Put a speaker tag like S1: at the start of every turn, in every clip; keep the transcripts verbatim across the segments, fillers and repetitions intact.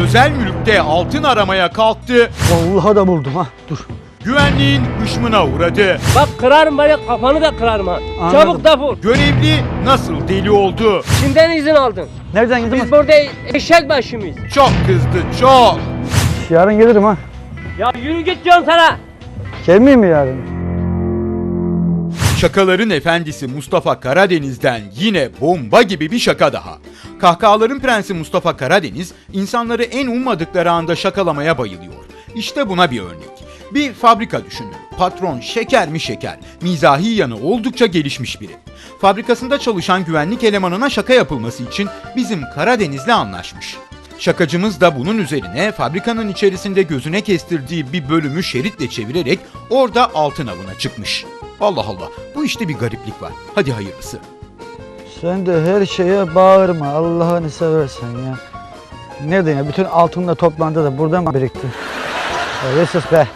S1: özel mülkte altın aramaya kalktı.
S2: Vallahi da buldum ha. Dur.
S1: Güvenliğin hışmına uğradı.
S3: Bak kırarım böyle kafanı da kırarım ha.
S2: Anladım.
S3: Çabuk defol.
S1: Görevli nasıl deli oldu?
S3: Kimden izin aldın?
S2: Nereden
S3: Biz
S2: girdin?
S3: burada eşek başı mıyız?
S1: Çok kızdı, çok.
S2: Yarın gelirim ha.
S3: Ya yürü git diyorum sana.
S2: Gelmeyeyim mi yarın?
S1: Şakaların efendisi Mustafa Karadeniz'den yine bomba gibi bir şaka daha. Kahkahaların prensi Mustafa Karadeniz, insanları en ummadıkları anda şakalamaya bayılıyor. İşte buna bir örnek. Bir fabrika düşünün. Patron şeker mi şeker, mizahi yanı oldukça gelişmiş biri. Fabrikasında çalışan güvenlik elemanına şaka yapılması için bizim Karadeniz'le anlaşmış. Şakacımız da bunun üzerine fabrikanın içerisinde gözüne kestirdiği bir bölümü şeritle çevirerek orada altın avına çıkmış. Allah Allah, bu işte bir gariplik var. Hadi hayırlısı.
S2: Sen de her şeye bağırma Allah'ını seversen ya. Nereden ya? Bütün altınla toplandı da burada mı birikti? Ya sus be.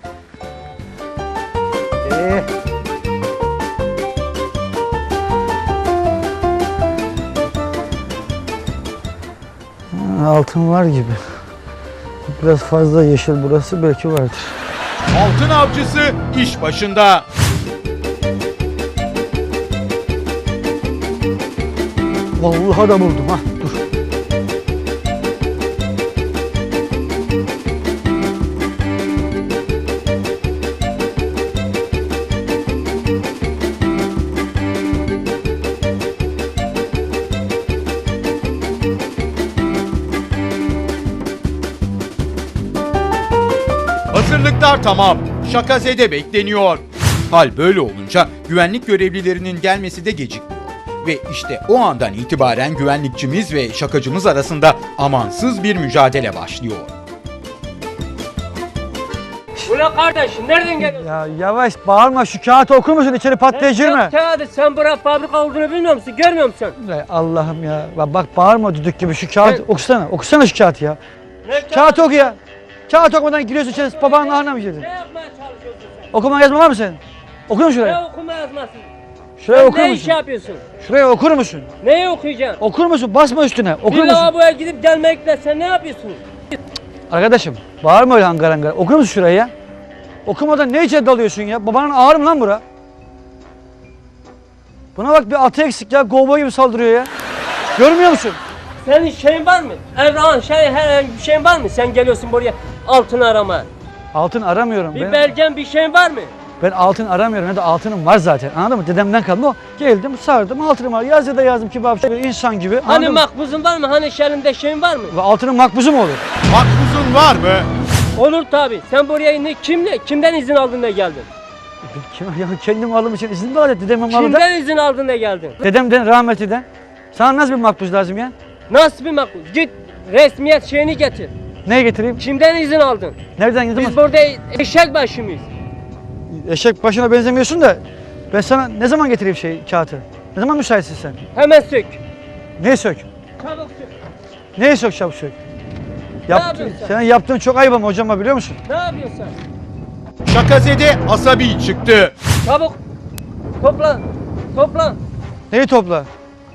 S2: Ee. Ha, altın var gibi. Biraz fazla yeşil burası, belki vardır.
S1: Altın avcısı iş başında.
S2: Vallahi da buldum ha. Dur.
S1: Hazırlıklar tamam. Şakazede bekleniyor. Hal böyle olunca güvenlik görevlilerinin gelmesi de gecikmiyor. Ve işte o andan itibaren güvenlikçimiz ve şakacımız arasında amansız bir mücadele başlıyor.
S3: Bu ne kardeşim? Nereden geliyorsun?
S2: Ya yavaş bağırma, şu kağıtı okur musun? İçeri patlayıcı mı?
S3: Kağıdı sen bura fabrika olduğunu bilmiyor musun? Görmüyor musun?
S2: Ey Allah'ım ya. Bak, bak bağırma düdük gibi, şu kağıt
S3: Ben-
S2: okusana. Okusana şu kağıtı ya.
S3: Ne
S2: Kağıt oku ya. Kağıt okumadan giriyorsun içeri, babanın ahına mı girdin?
S3: Ne yapmaya çalışıyorsun sen?
S2: Okuma yazma var mı senin? Okur musun
S3: Ne
S2: şuraya?
S3: okuma yazması?
S2: Şuraya
S3: Sen
S2: okur
S3: ne iş
S2: musun?
S3: yapıyorsun?
S2: Şuraya okur musun?
S3: Neyi okuyacaksın?
S2: Okur musun? Basma üstüne. Okur
S3: Bir
S2: musun?
S3: lavaboya gidip gelmekle sen ne yapıyorsun?
S2: Arkadaşım bağırma öyle hangar hangar. Okur musun şurayı ya? Okumadan ne içeri dalıyorsun ya? Babanın ağır mı lan bura? Buna bak, bir atı eksik ya. Kovboy gibi saldırıyor ya. Görmüyor musun?
S3: Senin şeyin var mı? Evran şey herhangi bir şeyin var mı? Sen geliyorsun buraya altın arama.
S2: Altın aramıyorum.
S3: Bir
S2: Ben,
S3: belgen bir şeyin var mı?
S2: ben altın aramıyorum. Ne de altınım var zaten. Anladın mı? Dedemden kalma o. Geldim, sardım, altınım var. Yaz ya da yazdım kibarca bir insan gibi.
S3: Hani
S2: Anladın mı?
S3: makbuzun var mı? Hani şerinde şeyin var mı?
S2: Ve altının makbuzu mu olur?
S1: Makbuzun var mı?
S3: Olur tabi. Sen buraya ne, kimle, kimden izin aldın da geldin?
S2: Kim, ya kendim aldığım için izin mi var ya dedemin malı da?
S3: Kimden izin aldın da geldin?
S2: Dedemden, rahmetliden. Sana nasıl bir makbuz lazım ya?
S3: Nasıl bir makbuz? Git resmiyet şeyini getir.
S2: Neye getireyim?
S3: Kimden izin aldın?
S2: Nereden gideyim?
S3: Biz burada eşek başı mıyız?
S2: Eşek başına benzemiyorsun da ben sana ne zaman getireyim şey kağıtı? Ne zaman müsaitsin sen?
S3: Hemen sök.
S2: Neyi sök?
S3: Çabuk sök.
S2: Neyi sök, çabuk sök? Yaptın,
S3: yapıyorsun sen?
S2: senin yaptığın çok ayıp ama hocama, biliyor musun?
S3: Ne yapıyorsun sen?
S1: Şakazede asabi çıktı.
S3: Çabuk. Topla. Topla.
S2: Neyi topla?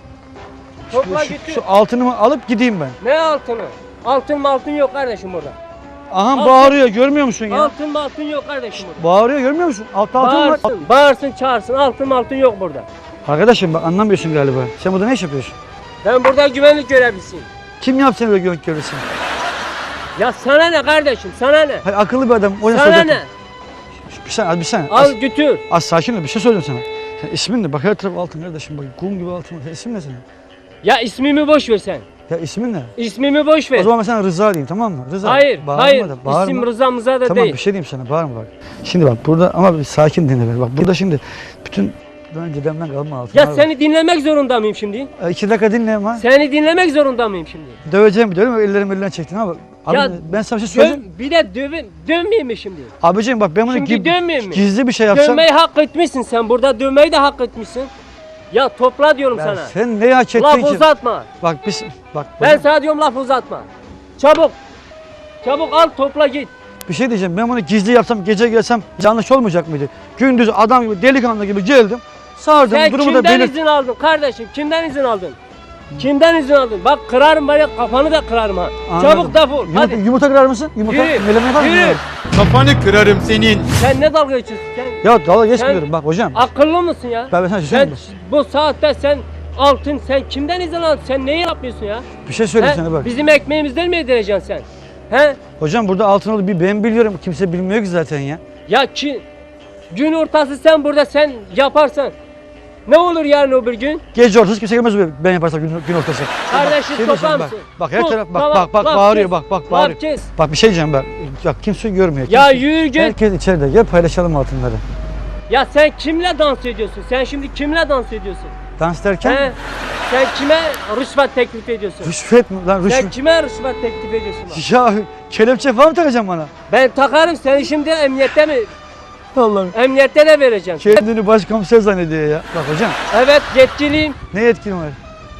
S3: Topla
S2: Şu,
S3: götür.
S2: şu altınımı alıp gideyim ben.
S3: Ne altını? Altın mı altın yok kardeşim burada.
S2: Aha
S3: Altın-
S2: bağırıyor, görmüyor musun ya?
S3: Altın mı altın yok kardeşim burada.
S2: Bağırıyor, görmüyor musun? Altta altın var.
S3: Bağırsın, bağırsın çağırsın. Altın mı altın yok burada.
S2: Arkadaşım bak, anlamıyorsun galiba. Sen burada ne iş yapıyorsun?
S3: Ben burada güvenlik görevlisiyim.
S2: Kim yaptı seni böyle güvenlik görevlisi?
S3: Ya sana ne kardeşim? Sana ne?
S2: Hayır, akıllı bir adam. O
S3: Sana
S2: soracak.
S3: ne?
S2: Bir saniye, bir saniye.
S3: Al
S2: Az,
S3: götür.
S2: az sakin ol, bir şey söyleyeceğim sana. Sen ismin ne? Bak her taraf altın kardeşim, bak kum gibi altın var. Sen ismin ne senin?
S3: Ya ismimi boş ver sen.
S2: Ya ismin ne?
S3: İsmimi boş ver.
S2: O zaman ben sana Rıza diyeyim, tamam mı? Rıza.
S3: Hayır,
S2: Bağırma
S3: hayır.
S2: da, bağırma.
S3: İsim Rıza Mıza da
S2: Tamam,
S3: değil.
S2: bir şey diyeyim sana, bağırma bak. Şimdi bak burada, ama bir sakin dinle beni. Bak burada şimdi bütün ben dedemden kalma altın.
S3: Ya seni dinlemek zorunda mıyım şimdi?
S2: E, iki dakika dinle ama.
S3: Seni dinlemek zorunda mıyım şimdi?
S2: Döveceğim biliyorum ama ellerim elden çektin ama. Abi,
S3: Ya,
S2: ben sana bir şey söyleyeyim.
S3: Dön, bir de dövün, dönmeyeyim mi şimdi?
S2: Abiciğim bak, ben bunu
S3: Şimdi
S2: gi-
S3: dönmeyeyim mi?
S2: gizli bir şey yapsam.
S3: Dönmeyi hak etmişsin sen. Burada dönmeyi de hak etmişsin. Ya topla diyorum
S2: Ben-
S3: sana.
S2: Sen neyi hak ettin
S3: Laf
S2: ki?
S3: uzatma.
S2: Bak biz bak
S3: Ben sana diyorum laf uzatma. Çabuk. Çabuk al topla git.
S2: bir şey diyeceğim. Ben bunu gizli yapsam, gece gelsem yanlış olmayacak mıydı? Gündüz adam gibi, delikanlı gibi geldim. Sardım,
S3: Sen
S2: durumu da
S3: kimden
S2: belirt.
S3: izin aldın kardeşim? Kimden izin aldın? Kimden izin aldın? Bak kırarım bari kafanı da kırarım ha.
S2: Anladım.
S3: Çabuk defol.
S2: Yumurta,
S3: Hadi.
S2: yumurta kırar mısın? Yumurta
S3: Yürü,
S2: meleme yapar mısın?
S3: yürü.
S2: ya?
S1: Kafanı kırarım senin.
S3: Sen ne dalga geçiyorsun? Sen
S2: Ya dalga geçmiyorum bak hocam.
S3: akıllı mısın ya?
S2: Ben, ben sana bir şey
S3: Sen
S2: söyleyeyim mi?
S3: bu saatte sen altın sen kimden izin aldın? Sen neyi yapıyorsun ya?
S2: Bir şey söyleyeyim
S3: He?
S2: sana bak.
S3: Bizim ekmeğimizden mi yedireceksin sen? He?
S2: Hocam burada altın oldu bir ben biliyorum. Kimse bilmiyor ki zaten ya.
S3: Ya ki gün ortası sen burada sen yaparsan ne olur yarın öbür gün?
S2: Gece ortası kimse gelmez buraya ben yaparsam gün, gün ortası.
S3: Kardeşim
S2: Şey
S3: toplar
S2: diyeceğim,
S3: mısın?
S2: Bak, bak her
S3: Tut,
S2: taraf bak
S3: tamam,
S2: bak bak
S3: laf
S2: bağırıyor
S3: kes,
S2: bak bak
S3: laf
S2: bağırıyor.
S3: kes.
S2: Bak bir şey diyeceğim bak. Ya kimse görmüyor.
S3: Ya
S2: kimse-
S3: yürü git.
S2: Herkes içeride. Gel paylaşalım altınları.
S3: Ya sen kimle dans ediyorsun? Sen şimdi kimle dans ediyorsun?
S2: Dans derken
S3: He? Sen kime rüşvet teklif ediyorsun?
S2: rüşvet mi lan
S3: Sen
S2: rüşvet?
S3: kime rüşvet teklif ediyorsun? bak?
S2: Ya kelepçe falan mı takacaksın bana?
S3: Ben takarım seni şimdi emniyette mi?
S2: Allah'ım.
S3: Emniyette de vereceğim.
S2: Kendini başkomiser zannediyor ya. Bak hocam
S3: Evet yetkiliyim.
S2: ne yetkin var?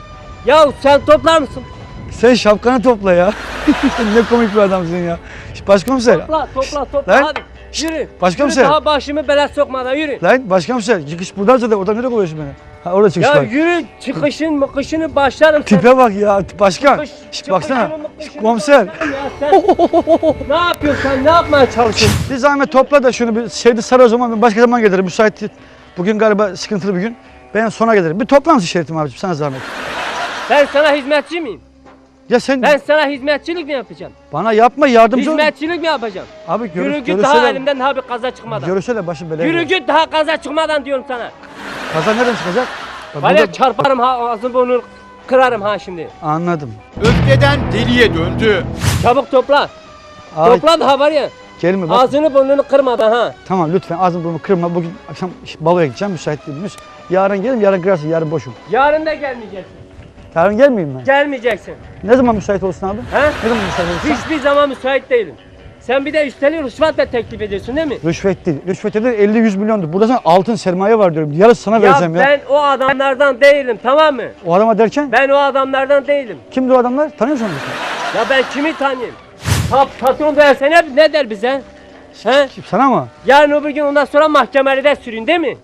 S3: Ya sen toplar mısın?
S2: Sen şapkanı topla ya. Ne komik bir adamsın ya. Başkomiser.
S3: Topla topla topla
S2: Lan.
S3: hadi. Yürü.
S2: Başkomiser.
S3: Yürü daha başımı belaya sokmadan yürü.
S2: Lan başkomiser çıkış buradan zaten oradan nereye koyuyorsun beni? Ha orada çıkış
S3: Ya
S2: var.
S3: yürü çıkışın mıkışını başlarım. sen.
S2: Tipe bak ya başkan.
S3: Çıkış-
S2: Şş, baksana.
S3: çıkışını, mıkışını
S2: Komiser.
S3: başlarım ya sen. Ne yapıyorsun sen? Ne yapmaya çalışıyorsun?
S2: Bir zahmet topla da şunu bir şeyde sar o zaman ben başka zaman gelirim müsait değil. Bugün galiba sıkıntılı bir gün. Ben sonra gelirim. Bir toplar mısın Şerif'im abicim sana zahmet.
S3: Ben sana hizmetçi miyim?
S2: Ya sen
S3: Ben sana hizmetçilik mi yapacağım?
S2: bana yapma yardımcı ol.
S3: Hizmetçilik mi yapacağım?
S2: Abi görü,
S3: Yürü git
S2: görürse
S3: daha
S2: de-
S3: elimden daha bir kaza çıkmadan.
S2: Görürse de başım belaya
S3: Yürü
S2: girer.
S3: git daha kaza çıkmadan diyorum sana.
S2: Kaza nereden çıkacak? Ya
S3: Var ya
S2: burada-
S3: çarparım ha ağzını burnunu kırarım ha şimdi.
S2: Anladım.
S1: Öfkeden deliye döndü.
S3: Çabuk topla.
S2: Ay,
S3: Topla daha var ya.
S2: gelme bak.
S3: Ağzını burnunu kırmadan ha.
S2: Tamam lütfen ağzını burnumu kırma. Bugün akşam baloya gideceğim müsait değilim. Yarın gelirim yarın kırarsın yarın boşum.
S3: Yarın da gelmeyeceksin.
S2: Yarın gelmeyeyim ben.
S3: Gelmeyeceksin.
S2: Ne zaman müsait olsun abi?
S3: He?
S2: Ne zaman müsait olsun?
S3: Hiçbir zaman müsait değilim. Sen bir de üstelik rüşvetle teklif ediyorsun değil mi?
S2: Rüşvet değil. Rüşvet değil elli yüz milyondur. Burada sana altın sermaye var diyorum. Yarısı sana vereceğim ya.
S3: ben o adamlardan değilim tamam mı?
S2: O adama derken
S3: Ben o adamlardan değilim.
S2: kimdir o adamlar? Tanıyor musun onu?
S3: Ya ben kimi tanıyayım? Pa patron derse ne, ne der bize? He?
S2: Kim, sana mı?
S3: Yarın öbür gün ondan sonra mahkemelerde sürün değil mi?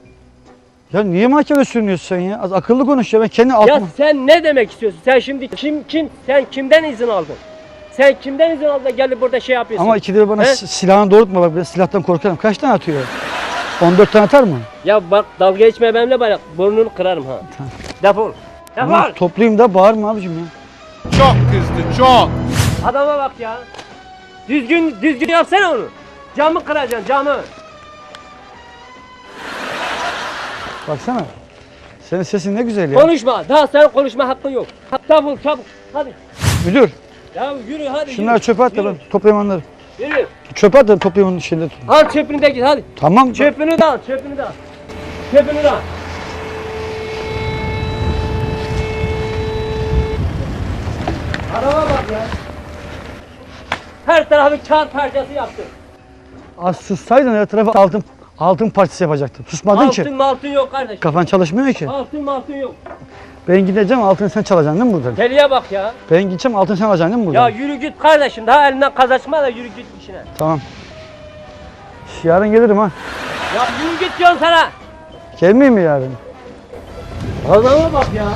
S2: Ya niye mahkeme sürünüyorsun sen ya? Az akıllı konuş ya. Ben kendi
S3: Ya
S2: altımı...
S3: sen ne demek istiyorsun? Sen şimdi kim kim sen kimden izin aldın? Sen kimden izin aldın da gelip burada şey yapıyorsun?
S2: Ama ikide bir bana
S3: He?
S2: si- silahını doğrultma bak. Ben silahtan korkarım. Kaç tane atıyor? on dört tane atar mı?
S3: Ya bak dalga geçme benimle bak burnunu kırarım ha. Defol. Defol.
S2: Ama toplayayım da bağırma abicim ya.
S1: Çok kızdı çok.
S3: Adama bak ya. Düzgün düzgün yapsana onu. Camı kıracaksın camı.
S2: Baksana. Senin sesin ne güzel ya.
S3: Konuşma. Daha senin konuşma hakkın yok. Defol çabuk. Hadi.
S2: Müdür.
S3: Ya yürü hadi.
S2: Şunları
S3: yürü.
S2: çöpe at da
S3: Yürü,
S2: ben toplayayım onları.
S3: Yürü.
S2: Çöpe at da toplayayım onun şeyleri.
S3: Al çöpünü de git hadi.
S2: Tamam.
S3: Çöpünü de al, çöpünü de al. Çöpünü de al. Araba bak ya. Her tarafı kağıt parçası yaptı.
S2: Az sussaydın her tarafa altın altın partisi yapacaktım. Susmadın ki.
S3: Altın altın yok kardeşim.
S2: Kafan çalışmıyor ki.
S3: Altın altın yok.
S2: Ben gideceğim altını sen çalacaksın değil mi buradan?
S3: Deliye bak ya.
S2: Ben gideceğim altını sen alacaksın değil mi
S3: Ya
S2: buradan?
S3: yürü git kardeşim. Daha elinden kazaçma da yürü git işine.
S2: Tamam. Yarın gelirim ha.
S3: Ya yürü git diyorum sana.
S2: Gelmeyeyim mi yarın?
S3: Adama bak ya.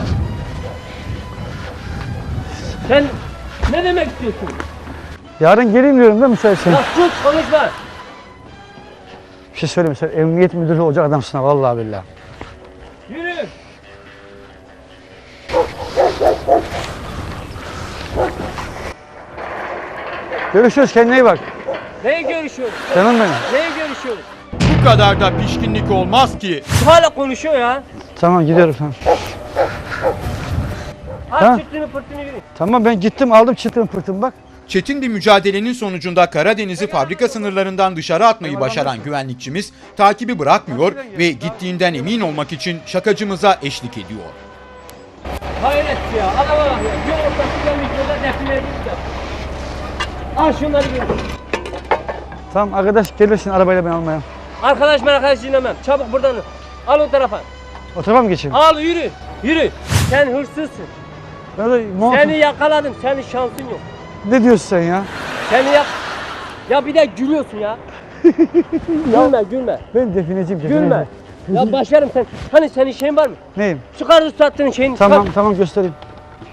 S3: Sen ne demek istiyorsun?
S2: Yarın geleyim diyorum değil mi müsaitsen?
S3: Ya sus konuşma.
S2: Bir şey söyleyeyim sen emniyet müdürü olacak adamsın ha vallahi billahi.
S3: Yürü.
S2: Görüşürüz kendine iyi bak.
S3: Neye görüşüyoruz?
S2: Canım benim.
S3: Neye görüşüyoruz?
S1: Bu kadar da pişkinlik olmaz ki.
S3: Hala konuşuyor ya.
S2: Tamam gidiyorum tamam.
S3: Aç
S2: Ha?
S3: çıktığını pırtını yürü.
S2: Tamam ben gittim aldım çıktım pırtım bak.
S1: Çetin bir mücadelenin sonucunda Karadeniz'i fabrika sınırlarından dışarı atmayı başaran güvenlikçimiz takibi bırakmıyor ve gittiğinden emin olmak için şakacımıza eşlik ediyor.
S3: Hayret ya. Adama bak ya. Bir ortası gelmiş burada defile edip de. Al şunları gör.
S2: Tamam arkadaş gelirsin arabayla ben almaya.
S3: Arkadaş ben arkadaş dinlemem. Çabuk buradan al o tarafa.
S2: O tarafa mı geçeyim?
S3: Al yürü. Yürü. Sen hırsızsın.
S2: Ben de montum-
S3: Seni yakaladım. Senin şansın yok.
S2: Ne diyorsun sen ya?
S3: Seni yak... Ya bir de gülüyorsun ya. Gülme gülme.
S2: Ben defineciyim defineci.
S3: Gülme. Ya başlarım sen. Hani senin şeyin var mı?
S2: Neyim?
S3: Çıkar sattığın şeyini.
S2: Tamam
S3: çıkar.
S2: tamam göstereyim.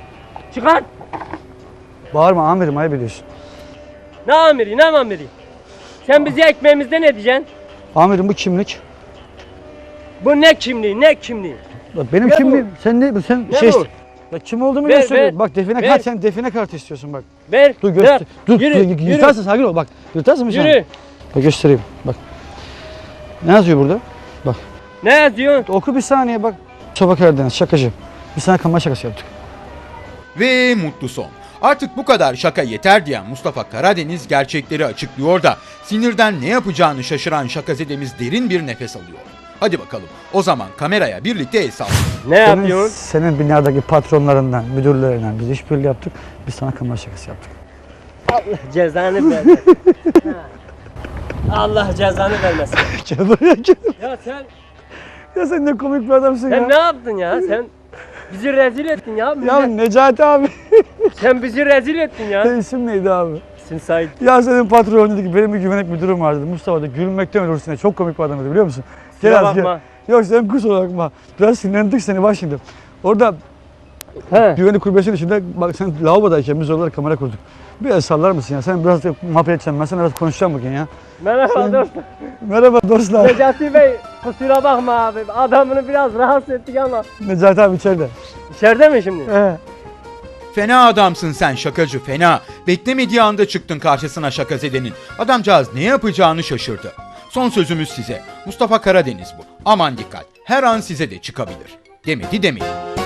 S3: Çıkar.
S2: Bağırma amirim, ayıp ediyorsun.
S3: Ne amiri ne amiri? Sen bizi ekmeğimizde ne diyeceksin?
S2: Amirim bu kimlik.
S3: Bu ne kimliği ne kimliği?
S2: Bak benim
S3: Ne bu?
S2: kimliğim. Sen ne sen
S3: Ne
S2: şey
S3: bu?
S2: Bak kim olduğumu
S3: Ver,
S2: gösteriyor.
S3: ver.
S2: Bak define
S3: Ver.
S2: kart, sen define kartı istiyorsun bak.
S3: Ver.
S2: Dur
S3: ver.
S2: göster. Dur,
S3: Yürü,
S2: dur,
S3: yürü.
S2: yırtarsın, sakin ol bak. Yırtarsın mı sen?
S3: Yürü.
S2: Bak göstereyim bak. Ne yazıyor burada? Bak.
S3: Ne yazıyorsun?
S2: Oku bir saniye bak. Mustafa Karadeniz şakacı. Biz sana kamera şakası yaptık.
S1: Ve mutlu son. Artık bu kadar şaka yeter diyen Mustafa Karadeniz gerçekleri açıklıyor da sinirden ne yapacağını şaşıran şakazedemiz derin bir nefes alıyor. Hadi bakalım o zaman kameraya birlikte el sallayalım.
S3: Ne
S2: Senin,
S3: yapıyorsun?
S2: senin binadaki patronlarından, müdürlerinden biz işbirliği yaptık. Biz sana kamera şakası yaptık.
S3: Allah cezanı vermesin. Ha. Allah cezanı vermesin.
S2: Gel buraya gel.
S3: Ya sen
S2: Ya sen ne komik bir adamsın
S3: sen
S2: ya.
S3: ne yaptın ya? Sen bizi rezil ettin ya.
S2: Ya
S3: Millet-
S2: Necati abi.
S3: Sen bizi rezil ettin ya.
S2: Senin isim neydi abi?
S3: Sin Said.
S2: Ya senin patron dedi ki benim bir güvenlik müdürüm vardı. Mustafa da gülmekten ölürsün diye. Çok komik bir adamdı biliyor musun?
S3: Kusura
S2: az
S3: bakma.
S2: Yok sen kusura bakma. Biraz sinirlendik seni bak şimdi. Orada
S3: He.
S2: güvenlik kulübesinin içinde bak sen lavabodayken biz oralara kamera kurduk. Biraz sallar mısın ya? Sen biraz da muhabbet edeceğim. Ben sana biraz konuşacağım bugün ya.
S3: Merhaba
S2: Sen-
S3: dostum.
S2: Merhaba dostlar.
S3: Necati Bey kusura bakma abi. Adamını biraz rahatsız ettik ama.
S2: Necati abi içeride.
S3: İçeride mi şimdi?
S2: He.
S1: Fena adamsın sen şakacı fena. Beklemediği anda çıktın karşısına şakazedenin. Adamcağız ne yapacağını şaşırdı. Son sözümüz size. Mustafa Karadeniz bu. Aman dikkat. Her an size de çıkabilir. Demedi demedi.